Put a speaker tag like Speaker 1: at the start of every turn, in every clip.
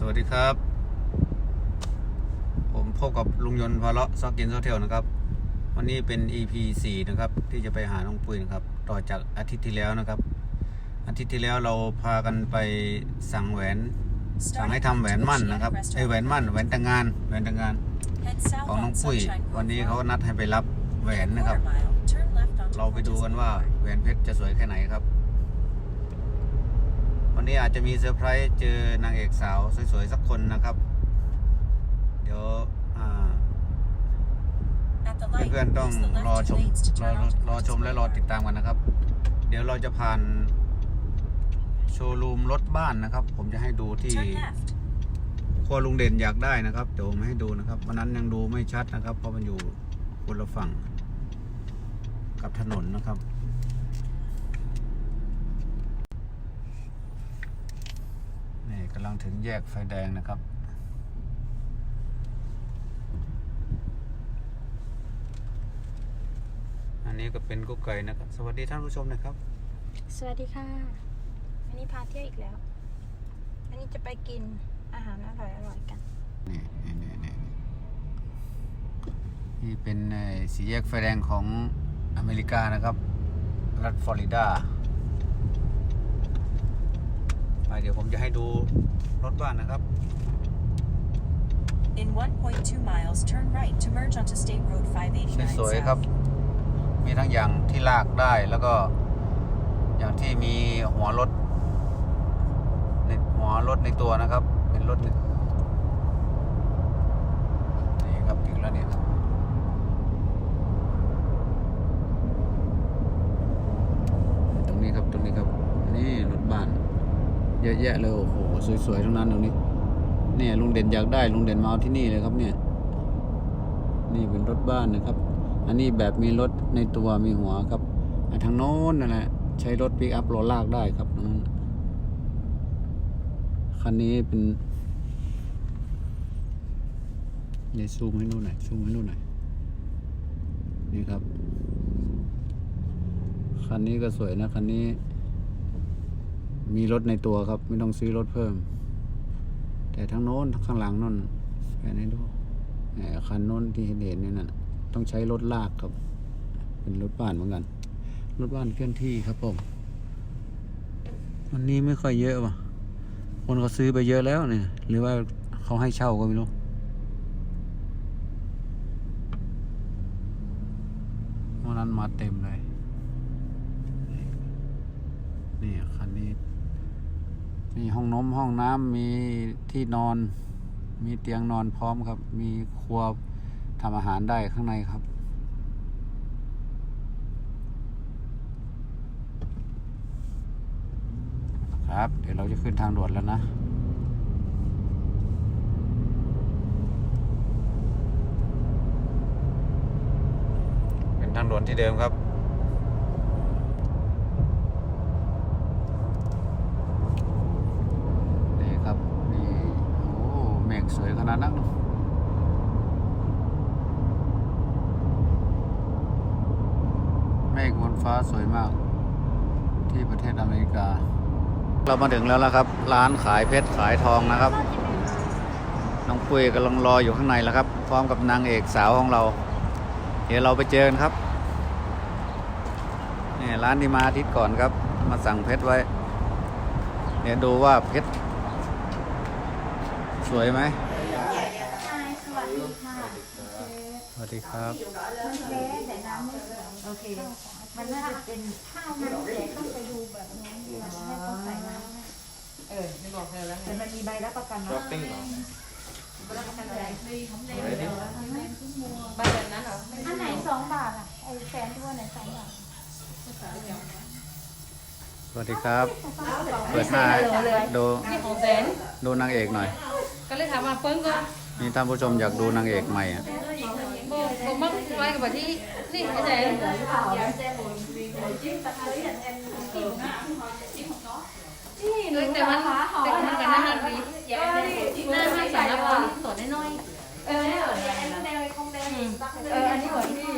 Speaker 1: วัสดีครับผมพบกับลุงยนต์พาเลาะซอกกินซอกเที่ยวนะครับวันนี้เป็น EP 4นะครับที่จะไปหาน้องปุ้ยนะครับต่อจากอาทิตย์ที่แล้วนะครับอาทิตย์ที่แล้วเราพากันไปสั่งให้ทำแหวนมั่นนะครับแหวนมั่นแหวนแต่งงานของน้องปุ้ยวันนี้เขานัดให้ไปรับแหวนนะครับเราไปดูกันว่าแหวนเพชรจะสวยแค่ไหนครับวันนี้อาจจะมีเซอร์ไพรส์เจอนางเอกสาวสวยๆสักคนนะครับเดี๋ยวเพื่อนๆต้องรอชมและรอติดตามกันนะครับเดี๋ยวเราจะผ่านโชว์รูมรถบ้านนะครับผมจะให้ดูที่ครัวลุงเด่นอยากได้นะครับเดี๋ยวผมให้ดูนะครับวันนั้นยังดูไม่ชัดนะครับเพราะมันอยู่คนละฝั่งกับถนนนะครับนี่กำลังถึงแยกไฟแดงนะครับอันนี้ก็เป็นกุ๊กไก่นะครับสวัสดีท่านผู้ชมนะครับ
Speaker 2: สวัสดีค่ะอันนี้พาเที่ยวอีกแล้วอันนี้จะไปกินอาหารอร่อยกัน
Speaker 1: นี่เป็นสี่แยกไฟแดงของอเมริกานะครับรัฐฟลอริดาเดี๋ยวผมจะให้ดูรถบ้านนะครับ
Speaker 3: In 1.2 miles, turn right to merge onto State Road 589
Speaker 1: สวยๆครับมีทั้งอย่างที่ลากได้แล้วก็อย่างที่มีหัวรถในตัวนะครับเป็นรถนี่ครับถึงแล้วเนี่ยครับตรงนี้ครับนี่รถบ้านเยอะแยะเลยโอ้โหสวยๆทั้งนั้นตรงนี้เนี่ยลุงเด่นอยากได้ลุงเด่นมาเอาที่นี่เลยครับเนี่ยนี่เป็นรถบ้านนะครับอันนี้แบบมีรถในตัวมีหัวครับทางโน้นนั่นแหละใช้รถปิกอัพรถลากได้ครับคันนี้เป็นนี่ซูมให้ดูหน่อยนี่ครับคันนี้ก็สวยนะคันนี้มีรถในตัวครับไม่ต้องซื้อรถเพิ่มแต่ทั้งโน้นข้างหลังนั่นแค่นี้ดูคันโน้นที่เห็นนี่นั่นต้องใช้รถลากครับเป็นรถบ้านเหมือนกันรถบ้านเคลื่อนที่ครับผมวันนี้ไม่ค่อยเยอะว่ะคนเขาซื้อไปเยอะแล้วเนี่ยหรือว่าเขาให้เช่าก็ไม่รู้วันนั้นมาเต็มเลยนี่คันนี้มีห้องน้ำมีที่นอนมีเตียงนอนพร้อมครับมีครัวทำอาหารได้ข้างในครับครับเดี๋ยวเราจะขึ้นทางด่วนแล้วนะเป็นทางด่วนที่เดิมครับนี่ครับนี่โอ้เมฆสวยขนาดนั้นเมฆบนฟ้าสวยมากที่ประเทศอเมริกาเรามาถึงแล้วนะครับร้านขายเพชรขายทองนะครับน้องปุ้ยกำลังรออยู่ข้างในแล้วครับพร้อมกับนางเอกสาวของเราเดี๋ยวเราไปเจอกันครับนี่ร้านที่มาอาทิตย์ก่อนครับมาสั่งเพชรไว้เดี๋ยวดูว่าเพชรสวยไหมสวัสดีครับ
Speaker 2: โอเคมันน่าจะเป็นข้าวมันแต่ต้องไปดูแบบนี้ให้เขาใส่น้ำ
Speaker 4: ไม่บอกเธอแล้วไง
Speaker 2: แต่มันมีใบรับประกันนะ
Speaker 4: ช้อปปิ้งเหรอ
Speaker 2: รับประกันอะไร
Speaker 4: ใบแบบนั้นเหรอ
Speaker 2: อันไหน2 บาทอ่ะไอ้แฟนที่ว่าไหน2 บาท
Speaker 1: สวัสดีครับเปิดหน้าดูนางเอกหน่อย
Speaker 4: ก็เลยถามว่าเปิ้งก็
Speaker 1: นี่ท่านผู้ชมอยากดูนางเอกใหม่อ่ะ
Speaker 4: ผมมักไล่กับแบบที่นี่ไม่ใช่แต่มันกันน่าดีน่าไม่สารพัดสอนน้อย
Speaker 2: อันนี้เหมือนที่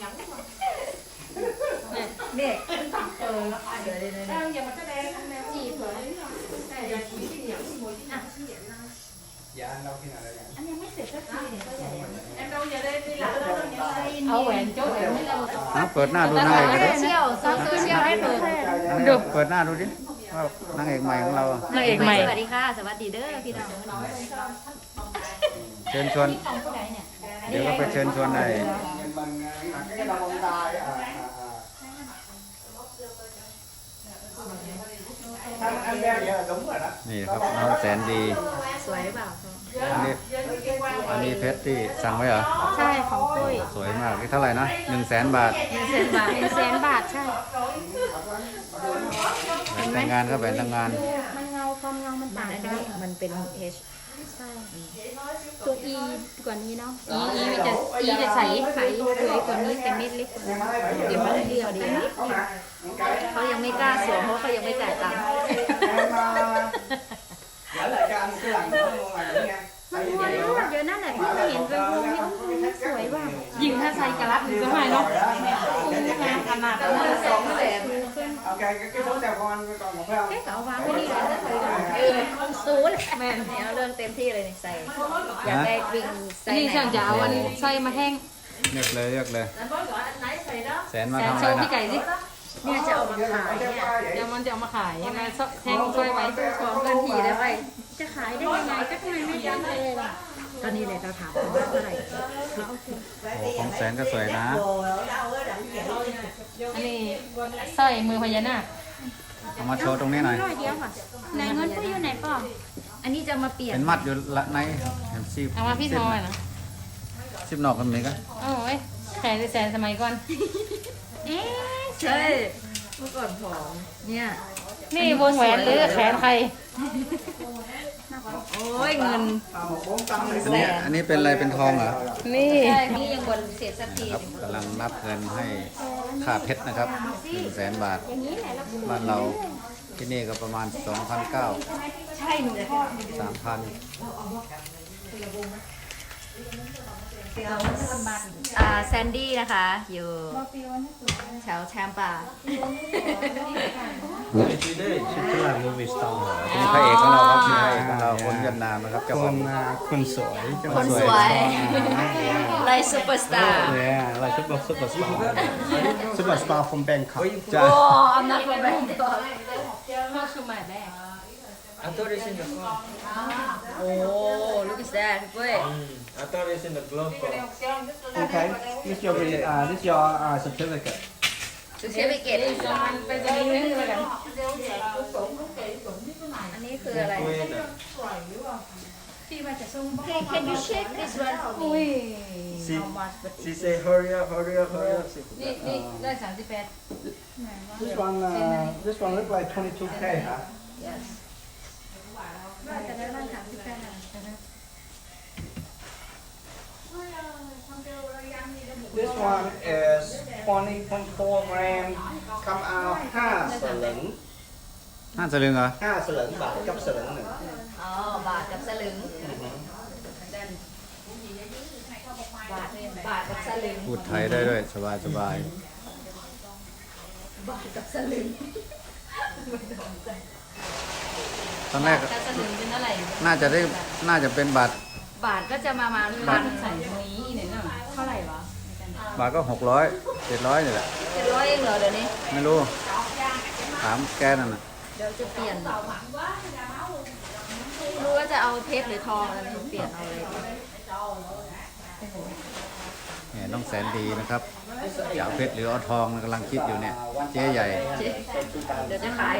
Speaker 2: เด็ก
Speaker 4: อย่ามาแสดงจีบเหรอ
Speaker 2: อันนี้ไม่เสร็จสักทีเนี่ยก็ใหญ่
Speaker 4: เอาแหวนโจ้แหวนไม่เรา
Speaker 1: เปิดหน้าดูนางเอกดิ
Speaker 2: เชี่ยวซอสโซเชียลให้เปิด
Speaker 1: ดูเปิดหน้าดูดิว่านางเอกใหม่ของเราอะ
Speaker 4: นางเอกใหม่
Speaker 2: สวัสดีค่ะ สวัสดีเด้อพี่น้อง
Speaker 1: เชิญชวน
Speaker 2: ของผู้ใดเนี่ย
Speaker 1: เดี๋ยวก็ไปเชิญชวนได้นี่ครับน้องแสนดี
Speaker 2: สวยหรือเปล่า
Speaker 1: อันนี้เพชรที่สั่งไว้เหรอ
Speaker 2: ใช่ของปุ้ย
Speaker 1: สวยมากนี่เท่าไหร่นะ100,000 บาท
Speaker 2: 100,000 บาทใช่
Speaker 1: แหวนแต่งงานก็แหวนแต่งงาน
Speaker 2: มันเงาความเงามันต่างกัน
Speaker 5: มันเป็น H
Speaker 2: ใช่ ตัว E กว่านี้เนาะ
Speaker 4: อีจะใส
Speaker 2: ใสสวยกว่านี้แต่เม็ดเล็กกว่านี้เดี๋ยวมันเรียวดีนิด
Speaker 5: เขายังไม่กล้าสวมเพราะเขายังไม่จ่ายตังค์
Speaker 2: มันพอแล้วเดี๋ยวนั่นแหละพี่จะเห็นเป็นวงนี้มันสวยว่ะ
Speaker 4: ยิงถ้าใส่กระลับถึงจะไม่เนาะงานขนาดนั้น
Speaker 5: 200,000
Speaker 2: เอ๊ะก็เอาวางไว้นี่เลยนะศูนย์
Speaker 5: แม่นเอาเรื่องเต็มที่เลยนี่ใส่ อยากได้วิ่งใส่
Speaker 4: นี่ฉันจะเอาอันใส่มาแห้ง
Speaker 1: เลือกเลยแสนมา
Speaker 4: แต่
Speaker 1: ทำ
Speaker 4: โช
Speaker 1: อะไร
Speaker 4: ว์พี่
Speaker 1: นะ
Speaker 4: ไก่สิ
Speaker 5: เนี่ยจะเอามาขายเนี่ย
Speaker 4: เดี๋ยวมันจะเอามาขายยังไงแห้งช่วยไว้
Speaker 5: ของเงินทีได้ไว้
Speaker 2: จะขายได้ยังไงก็ทำไมไม่ได้เลยล่ะ
Speaker 5: ตอนนี้เลยเราถามว่าเท่าไหร่
Speaker 1: โอ้ของแสนก็สวยนะ
Speaker 4: อันนี้สร้อยมือพญานาค
Speaker 1: เอามาโชว์ตรงนี้หน่อย
Speaker 2: ร้อยเดียวค่ะไหนเงินปุ้ยอยู่ไหนป่อ
Speaker 5: อันนี้จะมาเปลี่ยน
Speaker 1: เป็นมัดอยู่ละในเห็นซีบ
Speaker 4: เอามาพี่ทอยนะ
Speaker 1: ซีบนอกกันไหมกัน
Speaker 4: โอ้ยแสนสมัยก่อน
Speaker 2: เอ๊ะ
Speaker 5: ใช่เมื่อก่อนผอมเนี่ย
Speaker 4: นี่วงแหวนหรือแขนใคร
Speaker 5: โอ้ยเงิน
Speaker 1: อันนี้เป็นอะไรเป็นทองเหรอ
Speaker 4: นี่
Speaker 5: ใช่นี่ยังบนเศษสักที
Speaker 1: ครับกำลังนับเงินให้ค่าเพชรนะครับ100,000 บาท
Speaker 2: อย่างนี้แหละแล้ว
Speaker 1: บ้านเราที่นี่ก็ประมาณ 2,900
Speaker 5: ใช่หนูชอบ
Speaker 1: 3,000
Speaker 5: แซนดี้นะคะ อยู่แถวแชมป์ป่า
Speaker 1: นี่พระเอกของเราครับพระเอกของเราคนเวียดนามนะครับเจ้าของ
Speaker 6: คนสวยจังห
Speaker 5: ค
Speaker 6: วัด
Speaker 5: น
Speaker 6: ส
Speaker 5: ส
Speaker 6: ว
Speaker 5: วย ยไลซูเปอร์สตาร์
Speaker 6: เลยอะอะไรซุปเปอร์สตาร์ซุปเปอร์สตาร์ from Bangkok จ้า
Speaker 5: โอ้อำนาจคนแบงค์
Speaker 4: เข้าชูใหม่แม่
Speaker 7: I thought it's in the car.
Speaker 5: โอ้ look at that เว้ย
Speaker 7: I thought it's in the glove box.
Speaker 6: okay this your this your certificate
Speaker 5: สุเชฟไปเกต
Speaker 4: มันเป็นจะนิดนึงเลยกัน
Speaker 5: อันนี้คืออะไร
Speaker 7: Wait,
Speaker 5: Can you check this one for me
Speaker 7: she,
Speaker 5: How much
Speaker 7: she say hurry up, hurry up, hurry up.
Speaker 4: นี่ได้38
Speaker 6: this one look like 22k huh
Speaker 5: Yes
Speaker 2: จะได้บ้าน38
Speaker 6: this one is 20.4 gram come out 5 สลึง
Speaker 1: 5 สลึงเหรอ
Speaker 6: 5 สลึงบาทกับสลึงหนึ่ง
Speaker 5: อ๋อบาทกับสลึงบาทกับสลึง
Speaker 1: พูดไทยได้ด้วยสบายสบาย
Speaker 5: บาทกับสลึง
Speaker 1: ตอนแรก
Speaker 4: ถ้าสลึงเป็นเท่าไหร่
Speaker 1: น่าจะเป็นบาท
Speaker 5: บาทก็จะมา
Speaker 4: บ้านใส่ตรงนี้เนี่ยเนาะ
Speaker 5: เท่าไหร่วะ
Speaker 1: บาทก็600 700นี่แหละ
Speaker 5: 700เองเหรอเดี๋ยวนี้
Speaker 1: ไม่รู้ถามแกนั่นน่ะ
Speaker 5: เดี๋ยวจะเปลี่ยนรู้ว่าจะเอาเพชรหรือทองอะไรเปลี่ยนเอาเลย
Speaker 1: เนี่ยน้องแสนดีนะครับจะเอาเพชรหรือเอาทองกำลังคิดอยู่เนี่ยเจ๊ใหญ่
Speaker 5: เดี๋ยวจะขาย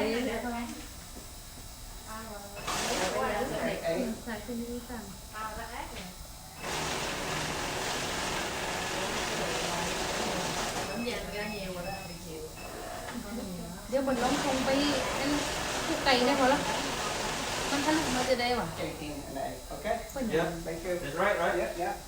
Speaker 4: เดี๋ยวบนล้มคงไปเป็นผู้ไก่ได้พอละมันทะลุมาจะได้หวะ
Speaker 6: okay
Speaker 7: Yeah,
Speaker 6: thank you
Speaker 7: that's right, right?
Speaker 6: yeah yeah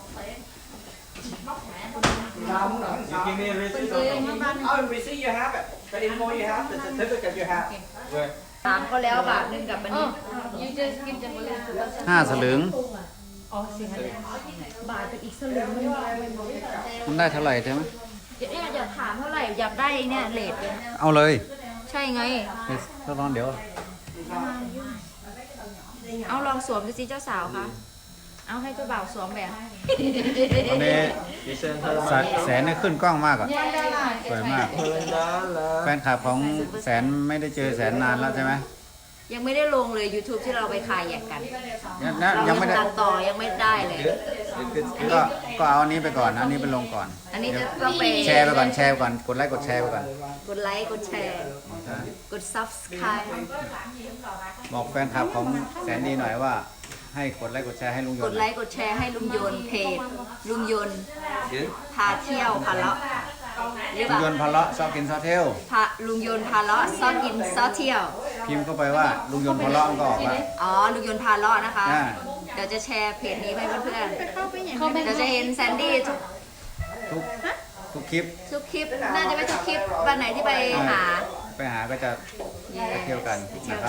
Speaker 7: You give me a receipt or something?
Speaker 6: oh receipt you have it the info you have the certificate you have
Speaker 7: Where?
Speaker 5: ถามเขาแล้วบาทหนึงกับอัน
Speaker 4: อ๋อ
Speaker 5: นี้
Speaker 4: ยูจะกินจังเลย
Speaker 1: 5 สลึง
Speaker 4: อ๋อสิฮะ
Speaker 5: บาทกับอีกสลึงนึง
Speaker 1: มันได้เท่าไหร่ใช่ไหม
Speaker 5: เดี๋ยวเนี่ยอยากถามเท่าไหร่อยากได้เนี่ยเลทเนี่ย
Speaker 1: เอาเลย
Speaker 5: ใช่ไง
Speaker 1: ถ้าร้อนเดี๋ยว
Speaker 5: เอาลองสวมดูสิเจ้าสาวคะเอาให้เจ้าบ่าวสวมแบบ
Speaker 1: วันนี้
Speaker 7: Present
Speaker 1: แสนนี่ขึ้นกล้องมากอ่ะสวยมาก
Speaker 7: her.
Speaker 1: แฟนคลับของแสนไม่ได้เจอแสนนานแล้วใช่ไหม
Speaker 5: ยังไม่ได้ลงเลย YouTube ที่เราไปคายแยกกัน
Speaker 1: นะ
Speaker 5: เรา
Speaker 1: ยังไม่ได้
Speaker 5: ตัดต่อยังไม่ได้เลย
Speaker 1: ก็เอาอันนี้ไปก่อนอันนี้ไปลงก่อน
Speaker 5: อันนี้จะต้องไป
Speaker 1: แชร์ไปก่อนแชร์ไปก่อนกดไลค์กดแชร์ไปก่อน
Speaker 5: กดไลค์กดแชร์กด subscribe
Speaker 1: บอกแฟนคลับของแสนดีหน่อยว่า ให้กดไลค์กดแชร์ให้ลุงย
Speaker 5: ก
Speaker 1: น
Speaker 5: ด
Speaker 1: ต์
Speaker 5: ไลค์กดแชร์ให้ลุงยนต์เพจลุงยนต์พาเที่ยวพาเลาะหรือเป
Speaker 1: ลุง
Speaker 5: ล่าย
Speaker 1: นต์พาเลาะซอกกินซอเทล
Speaker 5: พาลุงยนต์พาเลาะซอกินซอเที่ยว
Speaker 1: พิมพ์เข้าไปว่าลุงยนต์พาเลาะมันก็ออกมา
Speaker 5: อ๋อลุงยนต์พาเลาะนะคะ
Speaker 1: อ่า
Speaker 5: เดี๋ยวจะแชร์เพจนี้ให้เพื่อน
Speaker 2: เข้าไปอย่าง
Speaker 5: ๆเดี๋ยวจะเห็นแซนดี้ทุก
Speaker 1: ทุกคลิป
Speaker 5: ทุกคลิปน่าจะไม่ทุกคลิปวันไหนที่ไปหา
Speaker 1: ไปหาก็จะไปเที่ยวกันนะครับ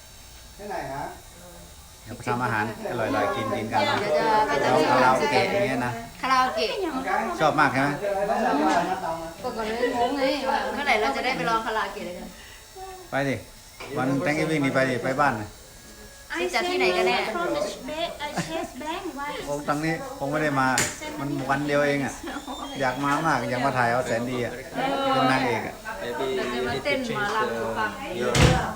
Speaker 1: เดี๋ยวไปทำอาหารอร่อยๆกินกัน
Speaker 5: เดี๋ยวจะไป
Speaker 1: แล้วคาราโอเกะอย่างเงี้ยนะ
Speaker 5: คาราโอเกะ
Speaker 1: ชอบมากใช่ไหม
Speaker 4: ก็เลยงงไงว่า
Speaker 5: เมื่อไหร่เราจะได้ไปลองคาราโอเกะเลยกัน
Speaker 1: ไปดิวันแตงกิ้วิ่งนี่ไปดิไปบ้านน่ะ
Speaker 5: ที่จะที่ไหนกันแน่
Speaker 2: from the chest bank ว่า
Speaker 1: คงตั้งนี้คงไม่ได้มามันวันเดียวเองอ่ะอยากมามากอยากมาถ่ายเอาแสนดีอ่ะเป็นนางเอกอ่ะ
Speaker 7: Maybe
Speaker 5: But they
Speaker 7: you
Speaker 5: must
Speaker 7: need
Speaker 5: send
Speaker 7: to change
Speaker 5: Malam to come.
Speaker 7: your account.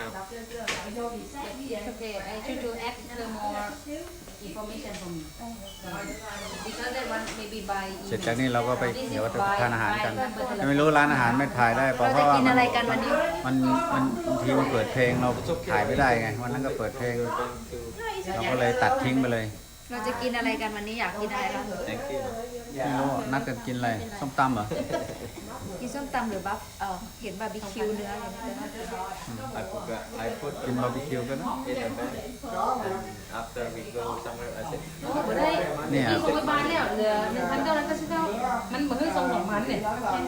Speaker 4: okay I should to add the more information from you because that one maybe by
Speaker 1: เสร็จจากนี้เราก็ไปเดี๋ยวทานอาหารกันไม่รู้ร้านอาหารไม่ถ่ายได้เพราะ
Speaker 5: เราจะ
Speaker 1: ว่า
Speaker 5: กินอะไรกันวันนี้
Speaker 1: มันบางทีมันเปิดเพลงเราถ่ายไม่ได้ไงวันนั้นก็เปิดเพลงเราก็เลยตัดทิ้งไปเลย
Speaker 5: เราจะกินอะไรกันวันนี้อยากกินอะไรบ้าง
Speaker 7: Thank you.
Speaker 1: ไม่รู้นัดกันกินอะไรส้มตำเหรอ
Speaker 5: กินส้มตำหรือบัฟเห็นบาร์บีคิวเนื้ออะไรเนี่ย
Speaker 7: I forgot. I put
Speaker 1: กินบาร์บีคิวกันนะ
Speaker 7: in a bag. And after we go somewhere, I said,
Speaker 4: บ่ได้
Speaker 1: เนี่ย
Speaker 4: ที่ส่งไปบ้านแล้วเหลือ1,999มันบ่คือส่ง2,000เนี่ย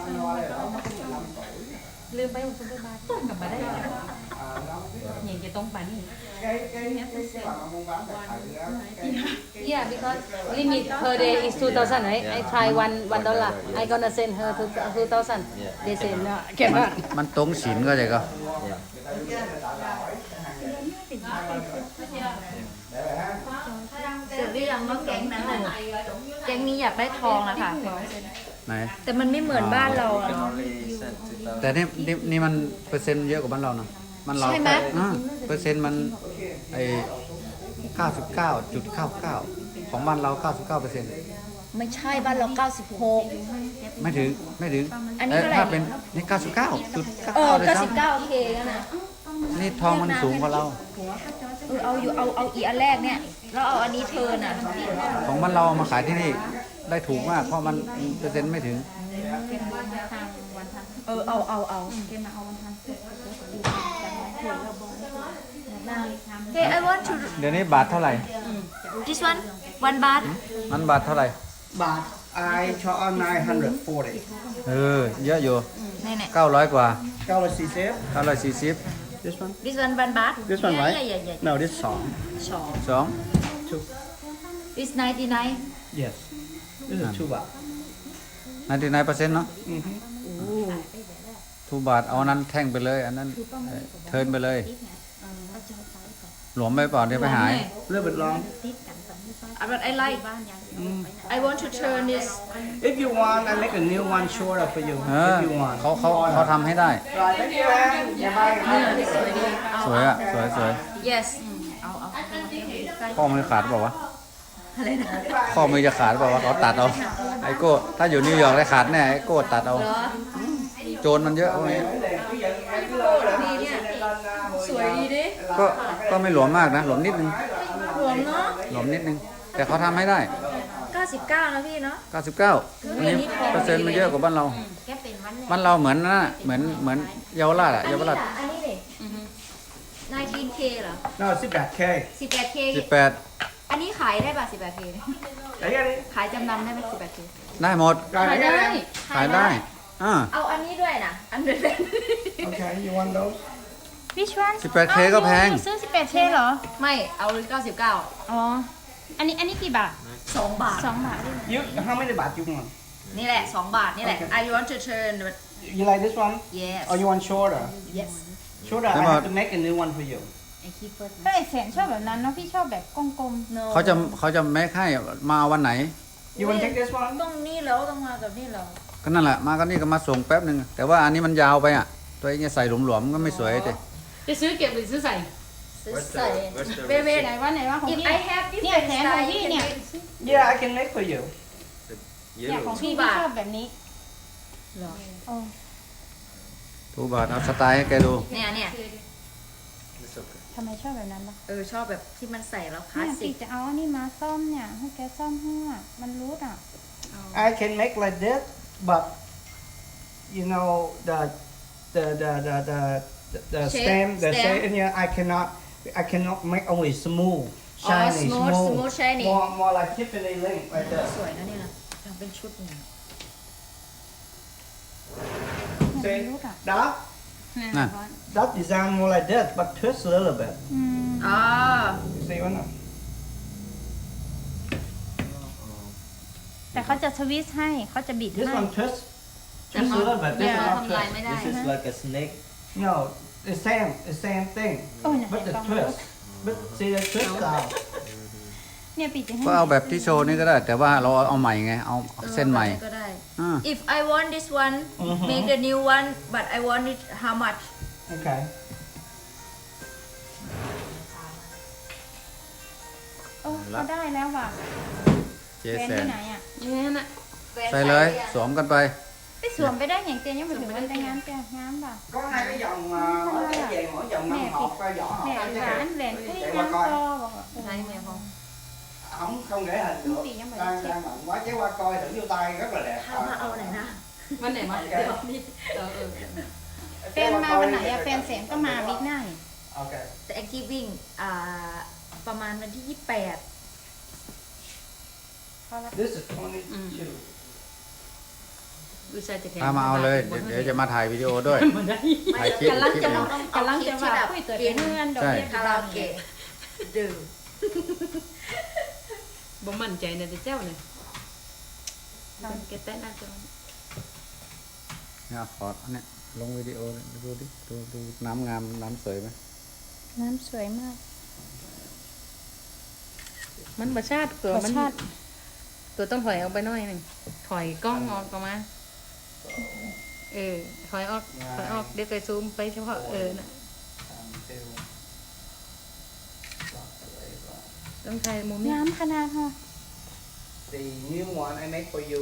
Speaker 4: ลืมไปส่งไปบ้านกลับมาได้อย่างจะต้องไปนี่ Yeah, because limit per day is 2,000, right? I try $1. I gonna send her to 2,000. They say no,
Speaker 1: มัน
Speaker 4: cannot.
Speaker 1: มันตรงศีลก็ใช่ก็
Speaker 5: เสร็จหรือยังว่าแก๊งนั้นน่ะแก๊งนี้อยากได้ทองอะค่ะ
Speaker 1: ไหน
Speaker 5: แต่มันไม่เหมือนบ้านเราอะ
Speaker 7: can only send 2,000.
Speaker 1: แต่นี่มันเปอร์เซ็นต์เยอะกว่าบ้านเรานะมันเรา
Speaker 5: ใช่ไหม
Speaker 1: เปอร์เซ็นต์มันไอ้99.99ของบ้านเรา99%
Speaker 5: ไม่ใช่บ้านเรา 96
Speaker 1: ไม่ถึง
Speaker 5: อันนี้เท่าไหร่
Speaker 1: ถ้าเป็นนี่99.99
Speaker 5: เออ
Speaker 1: เลยซ้ำ
Speaker 5: 99โอเคกันนะ
Speaker 1: นี่ทองมันสูงกว่าเรา
Speaker 5: เอาอยู่เอาอีอันแรกเนี่ยแล้วเอาอันนี้เธอน่ะ
Speaker 1: ของบ้านเราเอามาขายที่นี่ได้ถูกมากเพราะมันเปอร์เซ็นต์ไม่ถึง
Speaker 5: เอาเฮ้ย I want to
Speaker 1: เดี๋ยวนี้บาทเท่าไหร่
Speaker 5: this one 1 บาท
Speaker 1: มันบาทเท่าไหร่
Speaker 6: But I charge 940.
Speaker 1: เออเยอะอยู่
Speaker 5: นี่
Speaker 1: 900กว่า
Speaker 6: Galaxy Safe.
Speaker 1: 940
Speaker 6: This one?
Speaker 5: this one 1 บาท
Speaker 6: This one, right?
Speaker 5: Yeah.
Speaker 6: No, this song.
Speaker 1: 2
Speaker 6: Two.
Speaker 5: this 99
Speaker 6: Yes. This is 2 baht.
Speaker 1: 99%เนาะทูบาทเอาอันนั้นแท่งไปเลย อันนั้นเทิร์นไปเลย หลวมไปเปล่าเดี๋ยวไปหาย
Speaker 6: A little bit long.
Speaker 5: but I like I want to turn this
Speaker 6: If you want, I make a new one shorter for you.
Speaker 1: เออ
Speaker 6: If you want.
Speaker 1: เขาทำให้ได้
Speaker 6: Right, thank you, man.
Speaker 1: สวยอ่ะ สวย
Speaker 5: yes
Speaker 1: ข้อมือขาดเปล่าวะข้อมือจะขาดเปล่าวะเขาตัดเอาไอโก้ถ้าอยู่นิวยอร์กได้ขาดแน่ไอโก้ตัดเอาโจรมันเยอะพวกนี้
Speaker 5: ดีเนี่ยสวยดีดิ
Speaker 1: ก็ไม่หลวมมากนะ หลวมนิดนึง
Speaker 5: หลวมเนาะ
Speaker 1: หลวมนิดนึง แต่เขาทำให้ได้
Speaker 5: 99นะพี่เนาะ
Speaker 1: 99อันนี้เปอร์เซ็นต์มันเยอะกว่าบ้านเรา
Speaker 5: แกเป็นวันเนี่ย
Speaker 1: บ้านเราเหมือนนั่นน่ะเหมือนเยาวราชอะเยาวราช
Speaker 5: อันนี้ดิ 19K เหรอ
Speaker 6: No, it's back.
Speaker 5: 18K
Speaker 1: 18
Speaker 5: อันนี้ขายได้ป่ะ 18K
Speaker 6: I get it.
Speaker 5: ขายจำนำได้ไหม 18K
Speaker 1: ได้หมด
Speaker 6: Right, I get it.
Speaker 1: ขายได้อ่า
Speaker 5: เอาอันนี้ด้วยนะ อันเดิม
Speaker 6: Okay, you want those?
Speaker 2: which one
Speaker 1: 18K ก็แพง
Speaker 2: ซื้อ 18K เหรอ
Speaker 5: ไม่ เอา99
Speaker 2: อ๋อ อันนี้กี่บาท
Speaker 5: 2 บาท
Speaker 2: 2 บาท
Speaker 6: You, how many baht you want?
Speaker 5: นี่แหละ 2 บาท นี่แหละ I want to turn but
Speaker 6: You like this one?
Speaker 5: yes
Speaker 6: Or you want shorter?
Speaker 5: yes
Speaker 6: Shorter, I
Speaker 1: Come on.
Speaker 6: have to make a new one for you.
Speaker 4: I keep first
Speaker 2: ก็ไอแสนชอบแบบนั้นเนาะพี่ชอบแบบกลม
Speaker 4: no
Speaker 1: เขาจะแม็กให้มาวันไหน
Speaker 6: You want to take this one?
Speaker 4: ตรงนี้แล้วต้องมากับนี่เหรอ
Speaker 1: ก็นั่นแหละมากันนี่ก็มาส่งแป๊บหนึ่งแต่ว่าอันนี้มันยาวไปอ่ะ ตัวเองจะใส่หลวมๆก็ไม่สวยเลย
Speaker 4: จะซื้อเก็บหรือซื้อใส่
Speaker 3: Where's the, where's the
Speaker 2: ๆเวไหนว่าไหนว่าของ
Speaker 5: If
Speaker 2: พี่
Speaker 5: I have
Speaker 2: เนี่ย
Speaker 5: different
Speaker 2: แสนของ
Speaker 5: style
Speaker 2: พี่
Speaker 5: you
Speaker 2: เนี่ย
Speaker 5: can
Speaker 6: Yeah, I can make for you.
Speaker 2: เนี่ยของ
Speaker 3: yellow?
Speaker 2: พี่พี่ชอบแบบนี้
Speaker 4: เหรอ
Speaker 2: โอ้
Speaker 1: ทูบาทเอาสไตล์ให้แกดู
Speaker 5: เนี่ย
Speaker 3: It's okay.
Speaker 2: ทำไมชอบแบบนั้นล่ะ
Speaker 5: ชอบแบบที่มันใส่แล้วคลา
Speaker 2: เนี่
Speaker 5: ส
Speaker 2: ย
Speaker 5: สิ
Speaker 2: พี่
Speaker 5: ก
Speaker 2: จะเอาอันนี้มาซ่อมเนี่ยให้แกซ่อมให้อ่ะมันรูดอ่ะ
Speaker 6: I can make like this, but you know the stem, the
Speaker 5: stem.
Speaker 6: stem. Yeah, I cannot make only smooth, shiny,
Speaker 5: smooth, shiny.
Speaker 6: More like Tiffany link like that.
Speaker 5: สวยนะเนี่ยทำเป็นชุดเนี่ย
Speaker 2: เนี่ย
Speaker 6: See
Speaker 2: มันรูดอ่ะ
Speaker 6: that
Speaker 2: เนี่ย
Speaker 1: น่ะ
Speaker 6: that design more like this, but twist a little bit.
Speaker 2: อืม
Speaker 5: อ๋อ
Speaker 6: You see what?
Speaker 2: แต่เขาจะสวิตช์ให้เขาจะบิด
Speaker 6: This
Speaker 2: ให้
Speaker 6: one twist a little bit. This
Speaker 2: Yeah.
Speaker 6: one not
Speaker 5: ทำลาย
Speaker 6: twist.
Speaker 5: ไม่ได้
Speaker 3: This is like a snake.
Speaker 6: No, the same thing,
Speaker 2: โอ้ยเนี่ย
Speaker 6: but the
Speaker 2: เห็นปะ
Speaker 6: twist. But see the twist style.
Speaker 2: เนี่ยปีจะให้
Speaker 1: ก็เอาแบบที่โชว์นี่ก็ได้ แต่ว่าเราเอาใหม่ไงเอาเส้นใหม่
Speaker 5: ก็ได้
Speaker 1: อ่า
Speaker 5: If I want this one make the new one but I want it how much
Speaker 6: Okay.
Speaker 2: โอ้เขาได้แล้วว่ะ
Speaker 1: เจ๊
Speaker 2: แฟน
Speaker 1: แสน
Speaker 2: ที่ไหนอ่ะ
Speaker 4: เนี่ยน่ะ
Speaker 1: ใส่เลยสวมกันไป
Speaker 2: ไปสวมไปได้อย่างเตียยังไปถึงวันแต่งงานเตียงามป่ะ
Speaker 6: Có hai cái vòng mỗi cái về mỗi vòng
Speaker 2: Nè,
Speaker 6: 5 hộp ra vỏ hộp
Speaker 2: แหล
Speaker 6: ra
Speaker 2: น
Speaker 6: chứ
Speaker 2: หวาน
Speaker 6: kìa.
Speaker 2: แหลนเอ้ย
Speaker 6: Chạy
Speaker 2: ยั
Speaker 6: qua
Speaker 2: ง
Speaker 6: coi.
Speaker 2: คอบอกว่า
Speaker 5: ใช่ไหมพ่อ
Speaker 6: Không để hình được.
Speaker 2: Không, nhưng mà
Speaker 6: Đang
Speaker 2: chị-
Speaker 6: đang bận quá chế qua coi thử vô tay rất là đẹp.
Speaker 5: ถ้ามาเอาไหนนะ
Speaker 4: วันไหนมา
Speaker 6: โอเค
Speaker 4: เดี๋ยวนี่เออ
Speaker 2: แฟนมาวันไหนอะแฟนแสนก็มาบิ๊กหน้านี่
Speaker 6: Ok.
Speaker 5: แต่แอคทีฟวิ่งประมาณวันที่ 28
Speaker 2: เขารับ
Speaker 6: This is 22.
Speaker 4: วิชาจะแทน
Speaker 1: พามาเอาเลยเดี๋ยวจะมาถ่ายวิดีโอด้วย
Speaker 4: มันได้
Speaker 1: ถ่ายคลิป
Speaker 2: กำลัง
Speaker 1: คลิป
Speaker 2: จะ
Speaker 1: ห
Speaker 2: มา
Speaker 1: นึ่ง
Speaker 2: กำลังจะมาคุยเกิดเป็นเงินดอกเบี้ย
Speaker 5: คาราโอเกะดื่ม
Speaker 4: บ่มั่นใจในเจ้าเนี่ยแกเต้นน่าจะ
Speaker 1: เนี่ยขออันเนี้ยลงวิดีโอดูดิดูน้ำงามน้ำสวยไหม
Speaker 2: น้ำสวยมาก
Speaker 4: มันประชาติตัว
Speaker 2: รส
Speaker 4: มัน
Speaker 2: ชาติ
Speaker 4: ตัวต้องถอยออกไปหน่อยหนึ่งถอยกล้องออกมาถอยออกเดี๋ยวไปซูมไปเฉพาะน่ะต้องถ่ายมุมนี้
Speaker 2: น้ำขนาดเหรอ
Speaker 6: The new one I make for you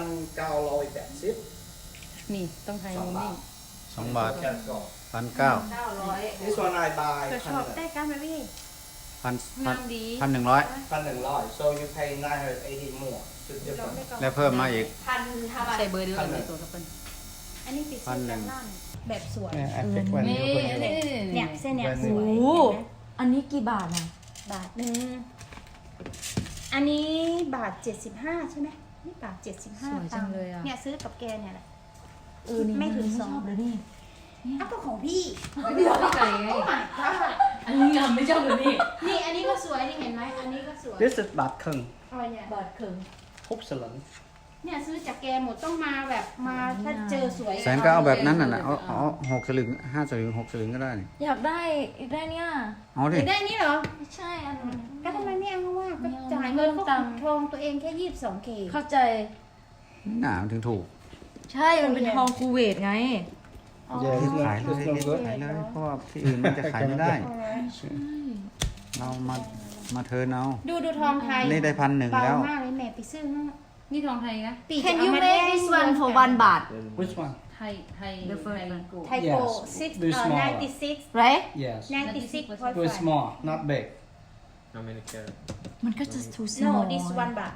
Speaker 6: 1,980.
Speaker 4: นี่ต้องถ่ายมุมนี้
Speaker 1: 2 บาท
Speaker 6: Just go.
Speaker 1: 1,900
Speaker 6: This one I buy
Speaker 2: เธอชอบได้กันไหมพี่ งามดี
Speaker 1: 1,100
Speaker 6: 1,100. So you pay 980 more. It's different.
Speaker 1: แล้วเพิ่มมาอีก
Speaker 4: ใส่เบอร์เดียวกันในตัวกับเพิ่น
Speaker 2: อันนี้ปิดเส้นด้านล่างแบบสวย
Speaker 6: Yeah, I pick one.
Speaker 4: นี่
Speaker 6: you put it.
Speaker 2: เนี่ยเส้นเนี่ยสวย
Speaker 5: โอ้
Speaker 2: เห็นไหม
Speaker 5: อันนี้กี่บาทนะ
Speaker 2: บาทหนึ่งอันนี้บาท75ใช่ไหมนี่บาท75ตังค์เนี่ยซื้อกับแกเนี่ยแหละไม่ถึงสอง
Speaker 5: เลยนี่
Speaker 2: อ้าวก็ของพี่
Speaker 4: ไม่ไก่ไงอันนี้งามไม่ชอบเลยนี่
Speaker 2: นี่อันนี้ก็สวยนี่เห็นไหมอันนี้ก็สวย
Speaker 6: This is bạc khừng,
Speaker 2: อะไรเนี่ย
Speaker 5: บาทครึ่ง
Speaker 6: hút sờ lẫn.
Speaker 2: เนี่ยซื้อจากแกหมดต้องมาแบบมาถ้าเจอสวย
Speaker 1: แสนก็เอาแบบนั้นน่ะนะเอา6 สลึง 5 สลึง 6 สลึงก็ได้นี่
Speaker 5: อยากได้อีกได้เนี่ย
Speaker 1: เอาดิ
Speaker 2: เห็นได้นี่เหรอ
Speaker 5: ไม่ใช่อัน
Speaker 2: ก็ทำไมไม่เอาว่าก็
Speaker 5: ไม่เอา
Speaker 2: จ่ายเงินก็
Speaker 5: เพิ่มตังค์
Speaker 2: ทองตัวเองแค่22K
Speaker 5: เข้าใจ
Speaker 1: หนามันถึงถูก
Speaker 5: ใช่มันเป็นทองคูเวตไง
Speaker 6: Yeah, it's
Speaker 1: ขาย
Speaker 6: not,
Speaker 1: เลย
Speaker 6: it's not good.
Speaker 1: ขายเลยเพราะว่าที่อื่นมันจะขายไม่ได้ เรามาเทิร์นเอา
Speaker 2: ดูทองไทย
Speaker 1: นี่ได้1,100
Speaker 2: เบา
Speaker 1: แล้ว
Speaker 2: มากเลยแม่ไปซื้อให้
Speaker 4: นี่ทองไทยนะ
Speaker 2: ปี
Speaker 5: Can
Speaker 2: จะ
Speaker 5: you
Speaker 2: เอามา
Speaker 5: make
Speaker 2: แท่ง
Speaker 5: this one for 1 บาท
Speaker 6: Which one?
Speaker 4: ไทย
Speaker 5: The first one
Speaker 4: กู
Speaker 2: ไทยโก
Speaker 6: Yes,
Speaker 2: 6
Speaker 6: do smaller.
Speaker 2: 96
Speaker 5: right
Speaker 6: Yes.
Speaker 2: 96
Speaker 6: Do small, not big.
Speaker 3: How many carats?
Speaker 5: มันก็จะ too
Speaker 2: no
Speaker 5: small
Speaker 2: this 1 บาท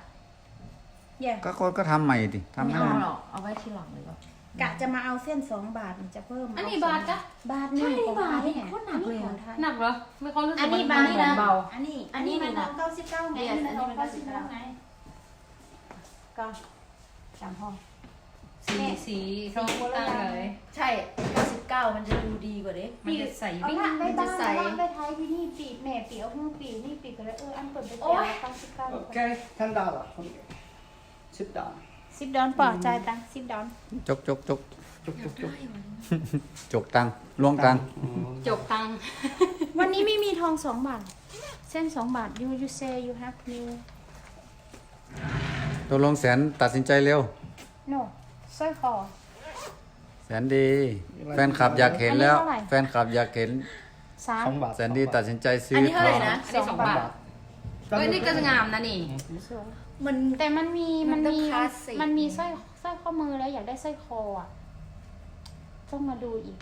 Speaker 2: yeah
Speaker 1: ก็ทำใหม่ดิทำ
Speaker 5: ไม่
Speaker 1: ให้
Speaker 5: เอา
Speaker 1: มัน
Speaker 5: หรอกเอาไว้ทีหลังเลยก็
Speaker 2: กะจะมาเอาเส้น2 บาทมันจะเพิ่ม
Speaker 4: อันนี้บาทจ้ะ
Speaker 2: บาทหนึ่ง
Speaker 5: ใช่
Speaker 2: ของ
Speaker 5: บาท
Speaker 2: ไทย
Speaker 5: นี่โคตรหนักเลยอะ
Speaker 2: ของไทย
Speaker 4: หนักเหรอไม่ค่อยรู้สึก
Speaker 2: อันนี้
Speaker 4: มั
Speaker 2: บาท
Speaker 4: เหมือนเบา
Speaker 2: อันนี้
Speaker 5: อันนี้
Speaker 2: มัน
Speaker 5: หนัก
Speaker 2: 99ไง
Speaker 5: Yes
Speaker 2: อันนี้มัน
Speaker 5: อันนี้มัน
Speaker 2: 99ไงก็3ห้อง
Speaker 4: สีทองต่างเลย
Speaker 5: ใช่99มันจะดูดีกว่าเด้
Speaker 4: มันจะใส่
Speaker 2: เอา
Speaker 4: วิ่ง
Speaker 2: ละไปบ้าน
Speaker 5: ใส่
Speaker 2: บ้านไปไทยที่นี่ปีแม่ปีเอาหุ้งปีนี่ปีก็เลยอันเปิดไป
Speaker 5: โอ๊
Speaker 2: เปีย
Speaker 5: ย
Speaker 2: 99
Speaker 6: Okay, $10. Okay. $10.
Speaker 2: 10 ดอนปอจ่ายตังค์10 ดอน
Speaker 1: จก
Speaker 6: Chúc, chúc, chúc.
Speaker 1: จกตังค์ล้วงตังค์
Speaker 4: จกตังค์
Speaker 6: $10.
Speaker 2: วันนี้ไม่มีทอง2 บาท เส้น2 บาท you say you have new
Speaker 1: ตกลงแสนตัดสินใจเร็ว
Speaker 2: no สร้อยคอ
Speaker 1: แสนดี แฟนคลับอยากเห็นแล้ว
Speaker 2: อันนี้เท่าไหร่
Speaker 1: แฟนคลับอยากเห็น
Speaker 6: 2 บาท
Speaker 1: แสนดีตัดสินใจซื้
Speaker 5: อั
Speaker 1: อน
Speaker 5: นี้เท่าไหร่นะ
Speaker 2: สองบาท
Speaker 5: เอ้ยนี่ก็งามนะนี่
Speaker 2: สวย
Speaker 5: มัน
Speaker 2: แต่มันมี
Speaker 5: มันต้องคลาสสิก
Speaker 2: มันมีสร้อยข้อมือแล้วอยากได้สร้อยคออ่ะ ต้องมาดูอีก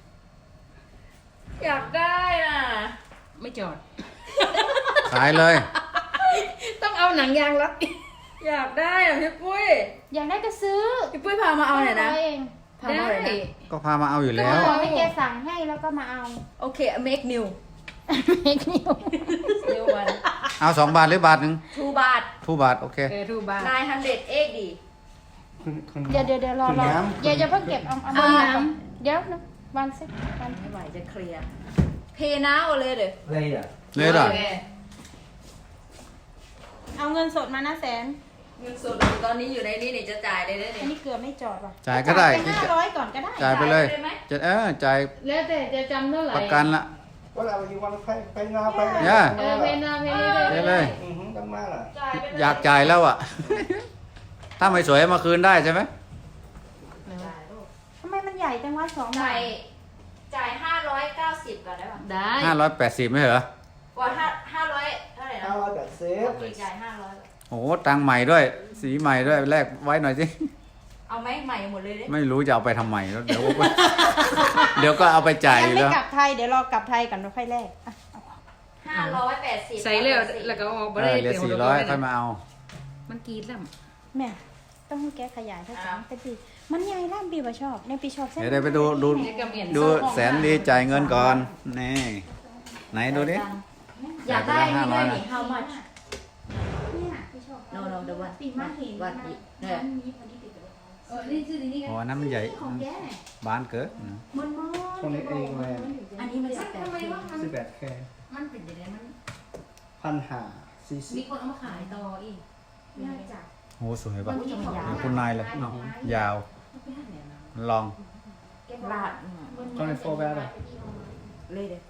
Speaker 5: อยากได้น่ะ
Speaker 4: ไม่จอด
Speaker 1: ขายเลย
Speaker 5: ต้องเอาหนังยางรัดอยากได้อ่ะพี่ปุ้ย
Speaker 2: อยากได้ก็ซื้อ
Speaker 5: พี่ปุ้ยพามาเอาหน่อยนะ
Speaker 2: 500เอง
Speaker 5: พามาเอาหน่อยนะ
Speaker 1: ก็พามาเอาอยู่แล้ว
Speaker 2: ขอให้แกสั่งให้แล้วก็มาเอา
Speaker 5: โอเค make new
Speaker 2: เมกนิว
Speaker 5: new one
Speaker 1: เอา2 บาทหรือบาทหนึ่ง
Speaker 5: 2 บาท
Speaker 1: 2 บาท โอเค
Speaker 4: ทูบาท
Speaker 5: 900 เอกดี
Speaker 2: เดี๋ยวรออย่าเพิ่งเก็บเอา
Speaker 5: เอา
Speaker 2: มา
Speaker 5: น้
Speaker 2: ก่อนเดี๋ยวนะวันสิวัน
Speaker 5: ไม่ไหวจะเคลียร์เพย์น้าเอาเลยเด้อ
Speaker 6: เลยอ่ะ
Speaker 1: เลยเหรอ
Speaker 5: โอค
Speaker 2: เอาเงินสดมานะแสน
Speaker 5: เงินสดตอนนี้อยู่ในนี้นี่จะจ่ายเลยเด้อ
Speaker 2: อั
Speaker 5: เนี่
Speaker 2: น
Speaker 5: ย
Speaker 2: นี้เกลือไม่จอดว่ะ
Speaker 1: จ่ายก็ได้
Speaker 2: ไป500ก่อนก็ได้
Speaker 1: จ่ายไปเลย
Speaker 5: จ่ายไปเลยไหม
Speaker 1: จ่าย
Speaker 4: แล้วแต่จะจำเท่าไหร่
Speaker 1: ประกันละ
Speaker 6: whatever you want to pay now pay
Speaker 1: ย่า
Speaker 4: เพนนาเพนนี่
Speaker 1: ได้เลย
Speaker 6: กันมาล่ะ
Speaker 1: อยากจ่ายแล้วอ่ะ ถ้าไม่สวยเอามาคืนได้ใช่ไหม
Speaker 2: ทำไมมันใหญ่จังวะ2 บาท
Speaker 5: จ่าย590ก่อนได้ป่ะ
Speaker 4: ได้
Speaker 1: 580ไม่เหรอ
Speaker 5: ว่า500เท่าไหร่นะ
Speaker 6: 580
Speaker 5: โอเคจ่าย500
Speaker 1: โอ้โหตังค์ใหม่ด้วย สีใหม่ด้วยแลกไว้หน่อยสิ
Speaker 5: เอาไหมใหม่หมดเลยเด้
Speaker 1: ไม่รู้จะเอาไปทำไมแล้วเดี๋ยว เดี๋ยวก็เอาไปจ่าย
Speaker 2: ยัง
Speaker 1: อยู่
Speaker 2: ไม่
Speaker 1: แล้ว
Speaker 2: กลับไทยเดี๋ยวรอกลับไทยก่อนแล้วค่อยแลกอ่ะ
Speaker 5: 580
Speaker 4: ใส่แล้วแล้วก็ออกบ่ได้
Speaker 1: เหลือ
Speaker 4: เปลี่ยน
Speaker 1: 400ค่อยมาเอา
Speaker 4: มันกรีดแล้ว
Speaker 2: แม่ต้องให้แกขยายถ้าจะแต่ปีมันใหญ่ล่ามปีบ่ชอบในปีชอบเส้น
Speaker 1: เดี๋ยวไปดู ดูแสนดีจ่ายเงินก่อน นี่ ไหนดูดิ
Speaker 5: อยากได้นี่
Speaker 1: 500
Speaker 5: ด้วย
Speaker 1: นะ
Speaker 5: นี่ how much
Speaker 2: เนี่ยปีชอบ
Speaker 5: no no the one
Speaker 2: ปีมาเห็น
Speaker 5: วัดอีกเนี่ย
Speaker 2: มีพอดีติดกับ
Speaker 4: นี่คือนี่
Speaker 1: โอ้อันนั้นมันใหญ่
Speaker 2: ของแกเนี่ย
Speaker 1: บ้านเกิด
Speaker 2: มันมาก
Speaker 6: ตรงนี้เองเลย
Speaker 5: อันนี้มัน18
Speaker 6: 18 k
Speaker 4: มันเป็นยังไงมัน
Speaker 6: 1,540
Speaker 4: มีคนเอามาขายต่ออีก
Speaker 2: น่าจะ
Speaker 1: โอ้สวยป่ะ
Speaker 2: มันมีของ
Speaker 1: เดี๋ยวคุณนายเลยเนาะยาว ลอง
Speaker 5: ลาด
Speaker 6: 24 bad
Speaker 5: เลยเด้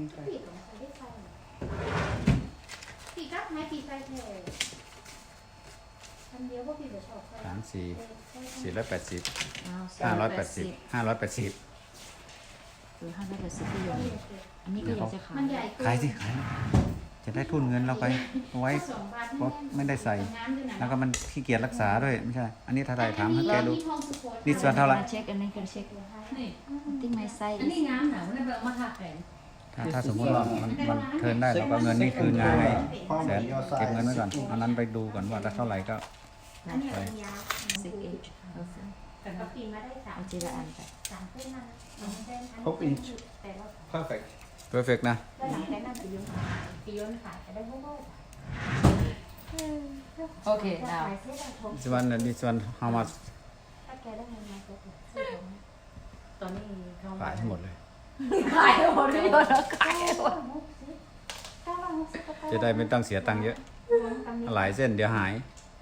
Speaker 2: ปีกัดไหมปีไฟแทนคันเดียวพวกปีบ่ชอบใคร
Speaker 1: 480 580
Speaker 5: 580ที่ยนอันนี้ก็อยากจะขาย
Speaker 2: มันใหญ่เกิน
Speaker 1: ขายสิขาย จะได้ทุนเงินเราไปเอาไว้
Speaker 2: 2 บาท
Speaker 1: เพราะไม่ได้ใส่ แล้วก็มันขี้เกียจรักษาด้วยไม่ใช่ อันนี้ถ้าได้ถามให้แกดู นี่ส่วนเท่าไหร่
Speaker 5: เช็คอันนี้คือเช็ค
Speaker 4: นี่
Speaker 5: ติ้งไม้ไส้
Speaker 4: อันนี้งามหนามันแบบมาทาแขน
Speaker 1: ถ้าสมมติว่ามันเทิร์นได้เราก็เงินนี่คืนงานไงแสนเก็บเงินไว้ก่อนเอานั้นไปดูก่อนว่าเท่าไหร่ก็
Speaker 2: อันนี้เป็นยาว
Speaker 5: 6 inch
Speaker 2: ก็ปีมาได้3
Speaker 5: เอาทีละอันไป
Speaker 2: 3เส้นนั่นเส้น
Speaker 6: 6 inch
Speaker 2: แต่ว่า
Speaker 6: perfect
Speaker 1: perfect นะ
Speaker 2: แล้วหลังจากนั้นปีย้อนขายจะได้โบ้ๆ
Speaker 4: โอเค now
Speaker 1: this one how much
Speaker 2: ถ้าแกได้เงินมาก็ซื้อ
Speaker 4: ตอนนี้เขา
Speaker 1: ขายให้หมดเลย
Speaker 5: ขายหมดเลยแล้วขายหมด
Speaker 1: จะได้ไม่ต้องเสียตังค์เยอะ หลายเส้นเดี๋ยวหาย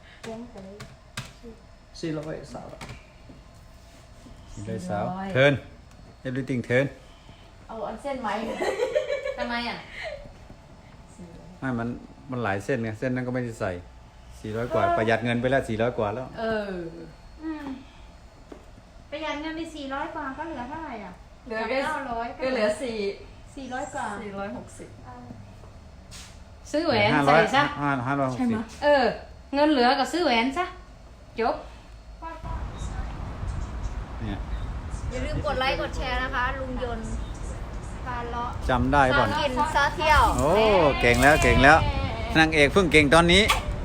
Speaker 6: 400 สาว
Speaker 1: เลยสาวเทิร์น everything turn
Speaker 5: เอาอันเส้นไหม
Speaker 4: ทำไมอ่ะ
Speaker 1: ไม่มันหลายเส้นไงเส้นนั้นก็ไม่ได้ใส่400 กว่า ประหยัดเงินไปแล้ว400 กว่าแล้ว
Speaker 4: เออ
Speaker 2: ประหยัดเงินไป400 กว่าก็เหลือเท่าไหร่อ่ะ
Speaker 5: เหลือแค่
Speaker 2: 900
Speaker 5: ก็เหลือ
Speaker 2: 400 กว่า
Speaker 5: 460
Speaker 4: ซื้อแหวนใส่ซะ
Speaker 1: 560
Speaker 4: เออ เงินเหลือก็ซื้อแหวนซะ จบ
Speaker 1: เนี่ย
Speaker 5: อย่าลืมกดไลค์กดแชร์นะคะ ลุงยนต์พาเลาะ
Speaker 1: จำได้ป่ะ
Speaker 5: กินซาเที่ยว
Speaker 1: โอ้เก่งแล้วเก่งแล้วนางเอกเพิ่งเก่งตอนนี้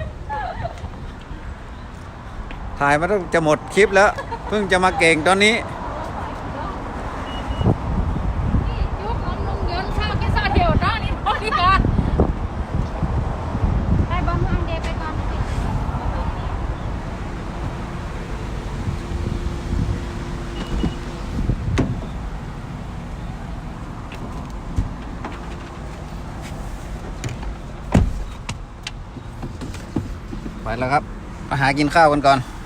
Speaker 1: ถ่ายมาต้องจะหมดคลิปแล้ว เพิ่งจะมาเก่งตอนนี้
Speaker 4: ยุคของลุงยนต์ข้าวกินซาเดียวนะนี่พอดีกัน
Speaker 2: ไปบอมฮังเดย์ไปก่อน
Speaker 1: ไปแล้วครับมาหากินข้าวกันก่อน